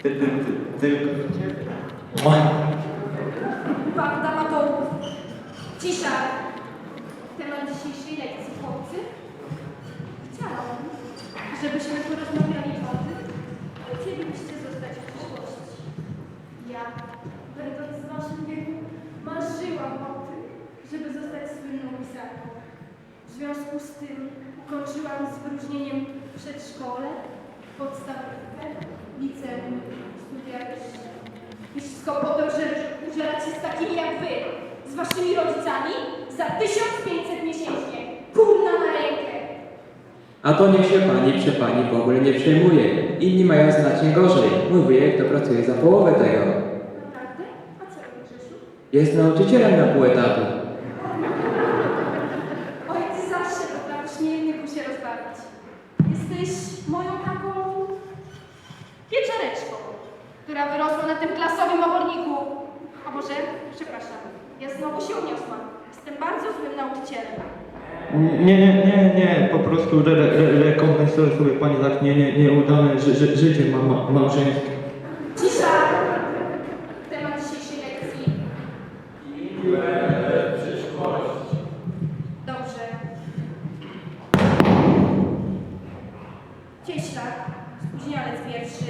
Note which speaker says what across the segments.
Speaker 1: Tylko...
Speaker 2: Banda amatorów. Cisza. Temat dzisiejszej lekcji, chłopcy. Chciałam, żebyśmy porozmawiali o tym, co chcielibyście zostać w przyszłości. Ja, będąc w waszym wieku, marzyłam o tym, żeby zostać słynną pisarką. W związku z tym ukończyłam z wyróżnieniem przedszkole, podstawówkę, liceum, studia wyższe. I wszystko po to, żeby użerać się z takimi jak wy, z waszymi rodzicami, za 1500 miesięcznie, kurna na rękę.
Speaker 3: A to niech się pani w ogóle nie przejmuje. Inni mają znacznie gorzej. Mój wujek to pracuje za połowę tego.
Speaker 2: Naprawdę? A co robisz, Grzesiu?
Speaker 3: Jest nauczycielem na pół etatu.
Speaker 2: Oj, ty zawsze potrafisz mnie innych się rozbawić. Jesteś moją taką pieczareczką, która wyrosła na tym klasowym oborniku. A może, przepraszam, ja znowu się uniosłam. Jestem bardzo złym nauczycielem.
Speaker 1: Nie, po prostu rekompensuje sobie pani tak nieudane życie małżeńskie.
Speaker 2: Cisza! Temat dzisiejszej lekcji.
Speaker 4: Przyszłość.
Speaker 2: Dobrze. Cieślak, spóźnialec pierwszy.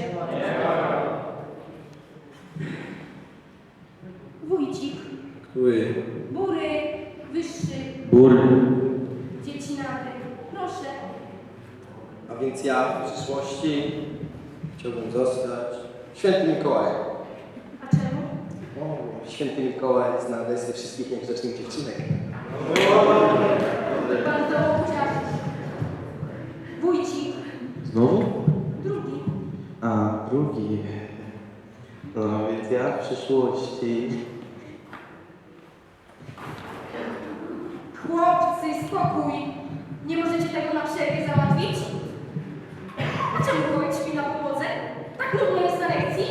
Speaker 2: Wójcik,
Speaker 3: Który?
Speaker 2: bury, wyższy,
Speaker 3: Bur.
Speaker 2: dziecinaty. Proszę.
Speaker 5: A więc ja w przyszłości chciałbym zostać Świętym Mikołajem.
Speaker 2: A czemu?
Speaker 5: O, Święty Mikołaj zna adresy wszystkich niegrzecznych dziewczynek.
Speaker 2: Bardzo uciaszyć. Wójcik,
Speaker 5: Znowu?
Speaker 2: drugi.
Speaker 5: A, drugi. No więc ja w przyszłości...
Speaker 2: Chłopcy, spokój. Nie możecie tego na przerwie załatwić? A czemu Wójt śpi na podłodze? Tak nudno jest na lekcji?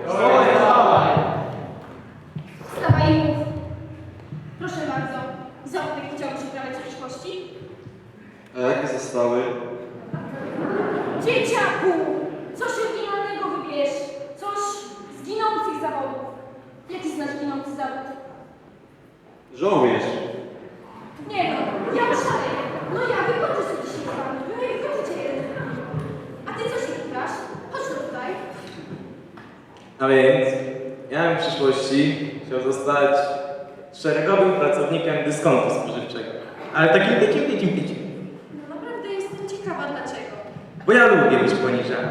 Speaker 2: Wstawaj i mów. Proszę bardzo, zawód jaki chciałbyś uprawiać w przyszłości?
Speaker 5: A jakie zostały?
Speaker 2: Dzieciaku! Coś oryginalnego wybierz. Coś z ginących zawodów. Jaki znasz ginący zawód?
Speaker 5: Żołnierz.
Speaker 2: Nie no, ja szaleję. No ja wykończę sobie dzisiaj z wami. Wy mnie wykończycie jeden z drugim. A ty co się pytasz? Chodź tu tutaj.
Speaker 6: A więc ja bym w przyszłości chciał zostać szeregowym pracownikiem dyskontu spożywczego. Ale takim picim.
Speaker 2: No naprawdę jestem ciekawa dlaczego.
Speaker 6: Bo ja lubię być poniżany.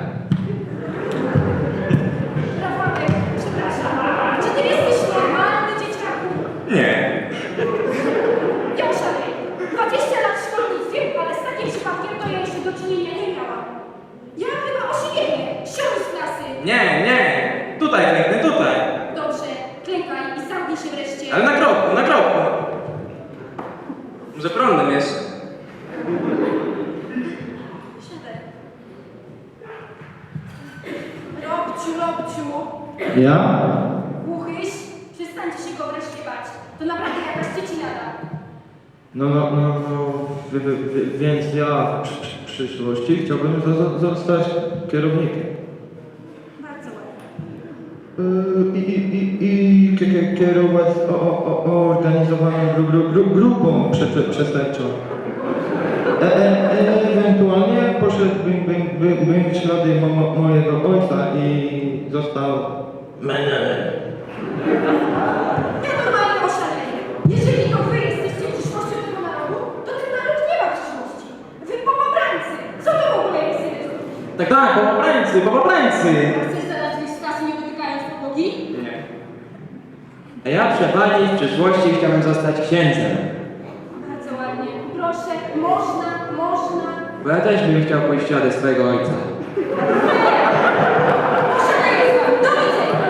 Speaker 2: Rafałek, przepraszam. Czy ty jesteś normalny, dzieciaku?
Speaker 6: Nie.
Speaker 2: Ja szaleję. 20 lat w szkolnictwie, ale z takim przypadkiem to ja jeszcze do czynienia nie miałam. Ja chyba osiwienie. Sioń z klasy.
Speaker 6: Nie. Tutaj klęknę, tutaj.
Speaker 2: Dobrze, klękaj i zamknij się wreszcie.
Speaker 6: Ale na kroku. Może prądem jeszcze.
Speaker 2: Siadaj. Robciu.
Speaker 1: Ja?
Speaker 2: Głuchyś? Przestańcie się go wreszcie bać. To naprawdę jakaś dziecinada.
Speaker 1: Więc ja w przyszłości chciałbym zostać kierownikiem.
Speaker 2: Bardzo ładnie.
Speaker 1: I kierować organizowaną grupą przestępczą. Ewentualnie poszedłbym w ślady mojego ojca i został menelem.
Speaker 2: Ja normalnie oszaleję. Jeżeli to wy jesteście przyszłością tego narodu, to ten naród nie ma przyszłości. Wy popabrańcy. Co to w ogóle jest?
Speaker 6: Tak, popaprańcy.
Speaker 2: Chcesz zaraz wyjść z klasy nie dotykając podłogi?
Speaker 6: Nie.
Speaker 3: A ja przepali w przyszłości chciałbym zostać księdzem.
Speaker 2: Bardzo ładnie. Proszę, można.
Speaker 3: Bo ja też bym chciał pójść w ślady swojego ojca.
Speaker 2: Oszaleję z wami. Do widzenia.